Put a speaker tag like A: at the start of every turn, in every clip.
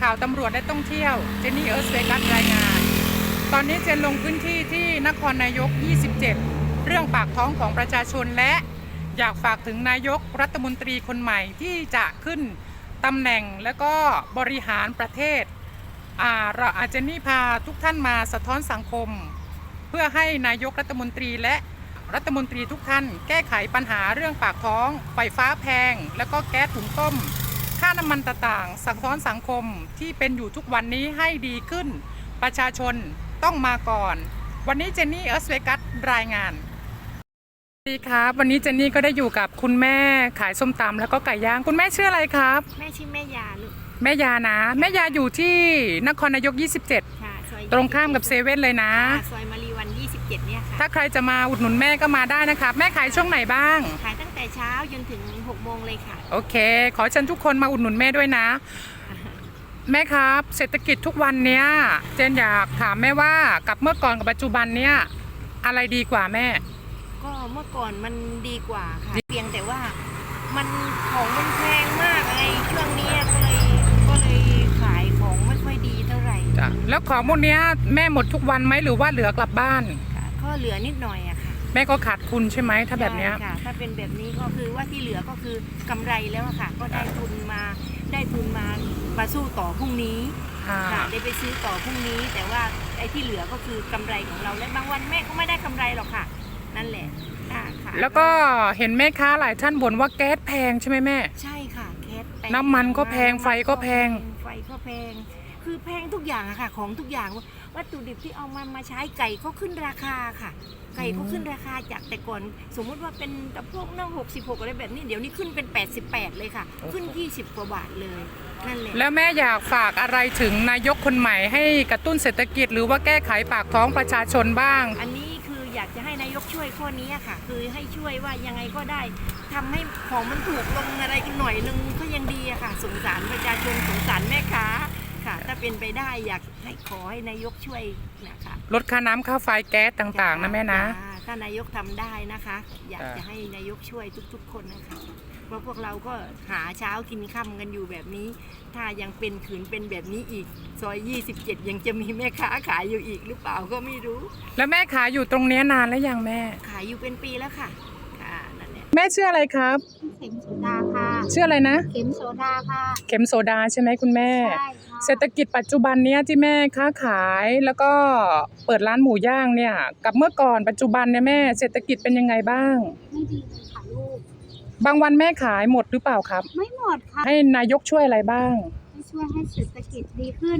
A: ข่าวตำรวจและท่องเที่ยวเจนนี่เอิร์ธเวกัสรายงานตอนนี้เจนลงพื้นที่ที่นครนายก 27 เรื่องปากท้องของประชาชนและอยากฝากถึงนายกรัฐมนตรีคนใหม่ที่จะขึ้นตำแหน่งและก็บริหารประเทศเราเจนนี่พาทุกท่านมาสะท้อนสังคมเพื่อให้นายกรัฐมนตรีและรัฐมนตรีทุกท่านแก้ไขปัญหาเรื่องปากท้องไฟฟ้าแพงและก็แก๊สถุงต้มค่าน้ำมันต่างๆสะท้อนสังคมที่เป็นอยู่ทุกวันนี้ให้ดีขึ้นประชาชนต้องมาก่อนวันนี้เจนนี่เอิร์ธเวกัสรายงานสวัสดีครับวันนี้เจนนี่ก็ได้อยู่กับคุณแม่ขายส้มตำแล้วก็ไก่ย่างคุณแม่ชื่ออะไรครับ
B: แม่ชื่อแม่ยาลูก
A: แม่ยานะแม่ยาอยู่ที่นครนายก 27
B: ค่ะซอย
A: ตรงข้ามกับเซเว่นเลยนะ
B: ซอยมารีวัน 27เนี่ยค่ะ
A: ถ้าใครจะมาอุดหนุนแม่ก็มาได้นะครับแม่ขายช่วงไหนบ้าง
B: ขายตั้งแต่เช้าจนถึง6 โมงเลยค่ะ
A: โอเคขอเชิญทุกคนมาอุดหนุนแม่ด้วยนะแม่ครับเศรษฐกิจทุกวันเนี้ยเจนอยากถามแม่ว่ากับเมื่อก่อนกับปัจจุบันเนี้ยอะไรดีกว่าแม่
B: ก็เมื่อก่อนมันดีกว่าค่ะเพียงแต่ว่ามันของมันแพงมากไงช่วงนี้ก็เลยขายของไม่ค่อยดีเท่าไหร่
A: จ้ะแล้วของพวกเนี้ยแม่หมดทุกวันไหมหรือว่าเหลือกลับบ้าน
B: ก็เหลือนิดหน่อยอะค่ะ
A: แม่ก็ขาดทุนใช่ไหมถ้าแบบเนี้ย
B: ค่ะถ้าเป็นแบบนี้ก็คือว่าที่เหลือก็คือกำไรแล้วค่ะก็ได้ทุนมาสู้ต่อพรุ่งนี้ค่ะได้ไปซื้อต่อพรุ่งนี้แต่ว่าไอ้ที่เหลือก็คือกำไรของเราและบางวันแม่ก็ไม่ได้กำไรหรอกค่ะนั่นแหละค่ะ
A: แล้วก็เห็นแม่ค้าหลายท่านบ่นว่าแก๊สแพงใช่ไหมแม่
B: ใช่ค่ะแก๊สแพง
A: น้ำมันก็แพงไฟก็แพง
B: คือแพงทุกอย่างอะค่ะของทุกอย่างวัตถุดิบที่เอามาใช้ไก่ก็ขึ้นราคาค่ะไก่ก็ขึ้นราคาจากแต่ก่อนสมมุติว่าเป็นตะพวกนั่ง66อะไรแบบนี้เดี๋ยวนี้ขึ้นเป็น88เลยค่ะขึ้น20 กว่าบาทเลยนั่นแหละ
A: แล้วแม่อยากฝากอะไรถึงนายกคนใหม่ให้กระตุ้นเศรษฐกิจหรือว่าแก้ไขปากท้องประชาชนบ้าง
B: อันนี้คืออยากจะให้นายกช่วยข้อนี้ค่ะคือให้ช่วยว่ายังไงก็ได้ทำให้ของมันถูกลงอะไรกันหน่อยนึงก็ยังดีอะค่ะสงสารประชาชนสงสารแม่ค้าค่ะถ้าเป็นไปได้อยากขอให้นายกช่วยนะคะ
A: ลดค่าน้ำค่าไฟแก๊สต่างๆนะแม่นะ
B: ถ้านายกทำได้นะคะอยากจะให้นายกช่วยทุกๆคนนะคะเพราะพวกเราก็หาเช้ากินค่ำกันอยู่แบบนี้ถ้ายังเป็นขืนเป็นแบบนี้อีกซอย27ยังจะมีแม่ค้าขายอยู่อีกหรือเปล่าก็ไม่รู้
A: แล้วแม่ขายอยู่ตรงนี้นานแล้วยังแม่
B: ขายอยู่เป็นปีแล้วค่ะนั่นแหละ
A: แม่ชื่ออะไรครับ
B: เข็มโซดาค่ะ
A: ชื่ออะไรนะ
B: เข็มโซดาค่ะ
A: เข็มโซดาใช่ไหมคุณแม่
B: ใช่ค่ะ
A: เศรษฐกิจปัจจุบันเนี้ยที่แม่ค้าขายแล้วก็เปิดร้านหมูย่างเนี่ยกับเมื่อก่อนปัจจุบันเนี่ยแม่เศรษฐกิจเป็นยังไงบ้าง
B: ไม่ดีเลยค่ะลูก
A: บางวันแม่ขายหมดหรือเปล่าครับ
B: ไม่หมดค่ะ
A: ให้นายกช่วยอะไรบ้าง
B: ช่วยให้เศรษฐกิจดีขึ้น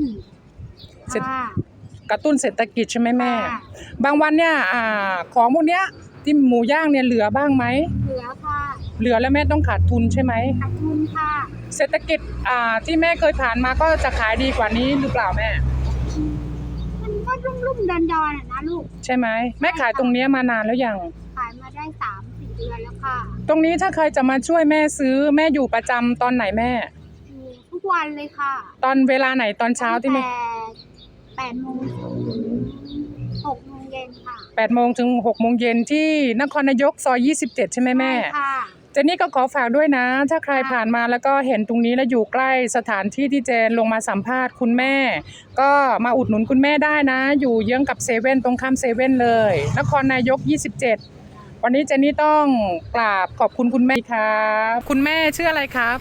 A: กระตุ้นเศรษฐกิจใช่ไหมแม่บางวันเนี่ยของพวกเนี้ยที่หมูย่างเนี่ยเหลือบ้างไหม
B: เหลือค่ะ
A: เหลือแล้วแม่ต้องขาดทุนใช่ไหม
B: ขาดทุนค่ะ
A: เศรษฐกิจที่แม่เคยผ่านมาก็จะขายดีกว่านี้หรือเปล่าแม่
B: มันก็รุ่มๆดอนๆนะลูก
A: ใช่ไหมแม่ขายตรงนี้มานานแล้วยัง
B: ขายมาได้3-4 เดือนแล้วค่ะ
A: ตรงนี้ถ้าใครจะมาช่วยแม่ซื้อแม่อยู่ประจำตอนไหนแม่
B: ทุกวันเลยค่ะ
A: ตอนเวลาไหนตอนเช้าที่แม่
B: 8 โมงถึง6 โมงเย็นค่ะ
A: 8 โมงถึง 6 โมงเย็นที่นครนายกซอย27ใช่ไหมแม่
B: ค่ะ
A: เจนนี่ก็ขอฝากด้วยนะถ้าใครผ่านมาแล้วก็เห็นตรงนี้แล้วอยู่ใกล้สถานที่ที่เจนลงมาสัมภาษณ์คุณแม่ก็มาอุดหนุนคุณแม่ได้นะอยู่เยื้องกับเซเว่นตรงข้ามเซเว่นเลยนครนายก27วันนี้เจนนี่ต้องกราบขอบคุณคุณแม่ครับคุณแม่ชื่ออะไรครับ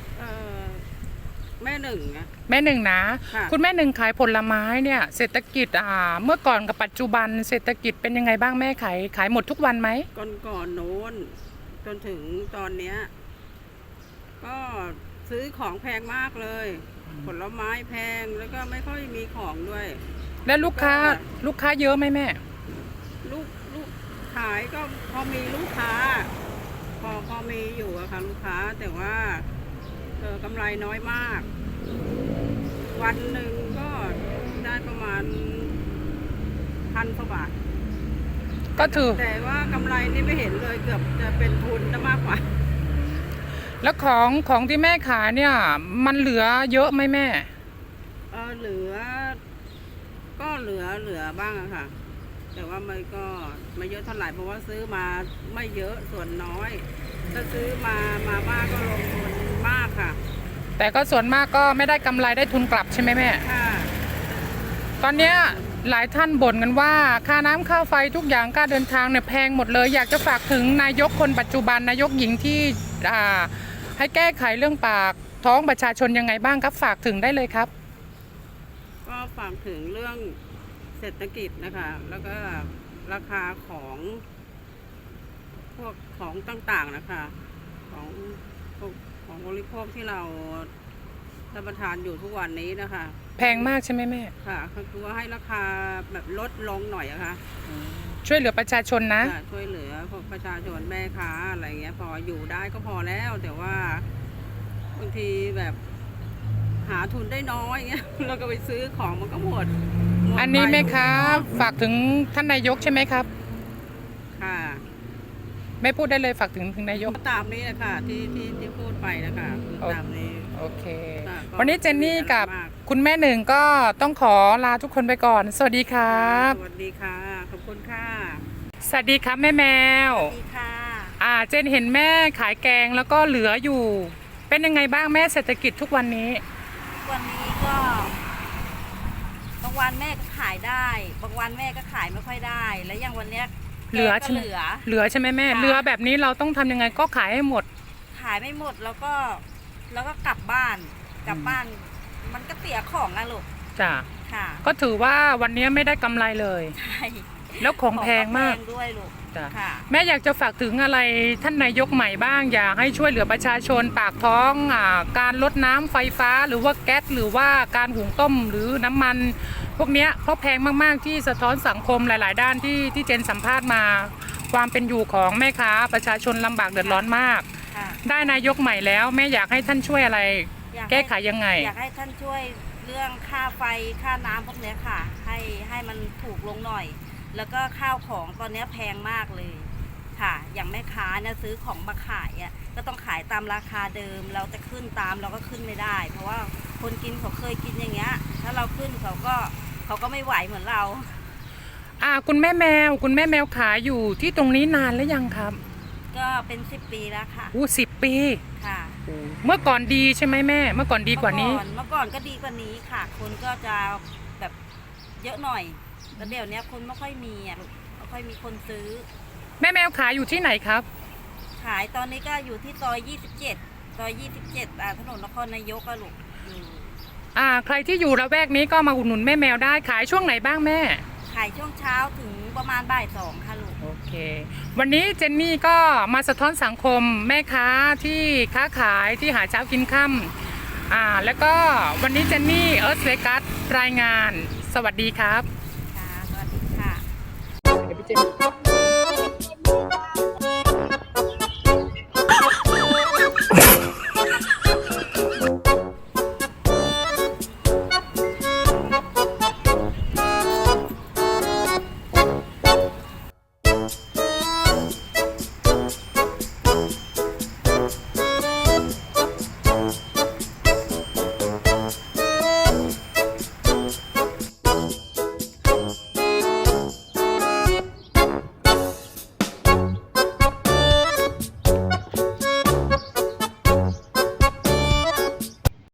C: แม่หนึ่งนะ
A: แม่หนึ่งนะคุณแม่หนึ่งขายผลไม้เนี่ยเศรษฐกิจเมื่อก่อนกับปัจจุบันเศรษฐกิจเป็นยังไงบ้างแม่ขายหมดทุกวันไหม
C: ก่อนโน้นจนถึงตอนเนี้ยก็ซื้อของแพงมากเลยผลไม้แพงแล้วก็ไม่ค่อยมีของด้วย
A: แล้วลูกค้าเยอะไหมแม่
C: ลูกขายก็พอมีลูกค้าพอมีอยู่อะค่ะลูกค้าแต่ว่ากำไรน้อยมากวันหนึ่งก็ได้ประมาณ1,000 กว่าบาท
A: ก็ถือ
C: แต่ว่ากำไรนี่ไม่เห็นเลยเกือบจะเป็นทุนมากกว่า
A: แล้วของที่แม่ขายเนี่ยมันเหลือเยอะไหมแม่
C: เหลือบ้างอะค่ะแต่ว่ามันก็ไม่เยอะเท่าไหร่เพราะว่าซื้อมาไม่เยอะส่วนน้อยถ้าซื้อมามากก็ลงทุนมากค่ะ
A: แต่ก็ส่วนมากก็ไม่ได้กำไรได้ทุนกลับใช่ไหมแม่
C: ค่ะ
A: ตอนเนี้ยหลายท่านบ่นกันว่าค่าน้ำค่าไฟทุกอย่างค่าเดินทางเนี่ยแพงหมดเลย อยากจะฝากถึงนายกคนปัจจุบันนายกหญิงที่ให้แก้ไขเรื่องปากท้องประชาชนยังไงบ้างครับฝากถึงได้เลยครับ
C: ก็ฝากถึงเรื่องเศรษฐกิจนะคะ แล้วก็ราคาของพวกของต่างๆนะคะ ของพวกของบริโภคที่เรารับประทานอยู่ทุกวันนี้นะคะ
A: แพงมากใช่ไหมแม่
C: ค่ะก็คือว่าให้ราคาแบบลดลงหน่อยอะค่ะ
A: ช่วยเหลือประชาชนนะ
C: จะช่วยเหลือพวกประชาชนแม่ค้าอะไรเงี้ยพออยู่ได้ก็พอแล้วแต่ว่าบางทีแบบหาทุนได้น้อยเงี้ย เราก็ไปซื้อของมันก็หมด
A: อันนี้
C: ไป
A: แม่ค้าฝากถึงท่านนายกใช่ไหมครับ
C: ค่ะ
A: ไม่พูดได้เลยฝากถึงนายก
C: ก็ตามนี้นะคะที่พูดไปนะคะคือตามนี้
A: โอเค
C: ค่ะก็
A: วันนี้เจนนี่กับ
C: ไม่มีอะไรมาก
A: คุณแม่หนึ่งก็ต้องขอลาทุกคนไปก่อน สวัสดีครับ
C: สวัสดีค่ะขอบคุณค่ะ
A: สวัสดีครับแม่แมว
B: สวัสดีค่ะ
A: เจนเห็นแม่ขายแกงแล้วก็เหลืออยู่ เป็นยังไงบ้างแม่เศรษฐกิจทุกวันนี้
B: วันนี้ก็บางวันแม่ก็ขายได้ บางวันแม่ก็ขายไม่ค่อยได้ แล้วอย่างวันเนี้ย
A: เหลือ
B: แก
A: ใช่
B: ก็
A: ไหม เหลือใช่ไหมแม่
B: ค่ะ
A: เหลือแบบนี้เราต้องทำยังไงก็ขายให้หมด
B: ขายไม่หมดแล้วก็กลับบ้าน กลับบ้าน มันก็เสียของอะลูก
A: จ้ะ
B: ค่ะ
A: ก็ถือว่าวันนี้ไม่ได้กำไรเลย
B: ใช่
A: แล้วของแพงมาก
B: แพงด้วยลูก
A: จ้ะ
B: ค่ะ
A: แม่อยากจะฝากถึงอะไรท่านนายกใหม่บ้าง อยากให้ช่วยเหลือประชาชนปากท้องการลดน้ำไฟฟ้าหรือว่าแก๊สหรือว่าการหุงต้มหรือน้ำมัน พวกเนี้ยเพราะแพงมากๆที่สะท้อนสังคมหลาย ๆ ด้านที่เจนสัมภาษณ์มา ความเป็นอยู่ของแม่ค้าประชาชนลำบากเดือดร้อนมาก
B: ค่ะ
A: ได้นายกใหม่แล้วแม่อยากให้ท่านช่วยอะไร
B: อยา
A: แก้ไขยังไง
B: อยากให้ท่านช่วยเรื่องค่าไฟค่าน้ำพวกเนี้ยค่ะ ให้มันถูกลงหน่อย แล้วก็ข้าวของตอนเนี้ยแพงมากเลยค่ะ อย่างแม่ค้าเนี่ยซื้อของมาขายอ่ะก็ต้องขายตามราคาเดิม เราจะขึ้นตามเราก็ขึ้นไม่ได้ เพราะว่าคนกินเขาเคยกินอย่างเงี้ย ถ้าเราขึ้นเขาก็ไม่ไหวเหมือนเรา
A: คุณแม่แมวขายอยู่ที่ตรงนี้นานแล้วยังครับ
B: ก็เป็น10 ปีแล้วค่ะ
A: 10 ปี
B: ค่ะ
A: เมื่อก่อนดีใช่ไหมแม่เมื่อก่อนดีกว่านี้
B: เมื่อก่อนก็ดีกว่านี้ค่ะ คนก็จะแบบเยอะหน่อยแต่เดี๋ยวนี้คนไม่ค่อยมีอ่ะลูกไม่ค่อยมีคนซื้อ
A: แม่แมวขายอยู่ที่ไหนครับ
B: ขายตอนนี้ก็อยู่ที่ซอย 27 ซอย 27 ถนนนครนายกอะลูกอยู่
A: ใครที่อยู่ละแวกนี้ก็มาอุดหนุนแม่แมวได้ขายช่วงไหนบ้างแม่
B: ขายช่วงเช้าถึงประมาณบ่าย 2 ค่ะลูก
A: โอเค วันนี้เจนนี่ก็มาสะท้อนสังคมแม่ค้าที่ค้าขายที่หาเช้ากินค่ำแล้วก็วันนี้เจนนี่เอิร์ธเวกัสรายงาน สวัสดีครับ
B: ค่ะ สวัสดีค่ะ
A: เดี๋ยวพี่เจน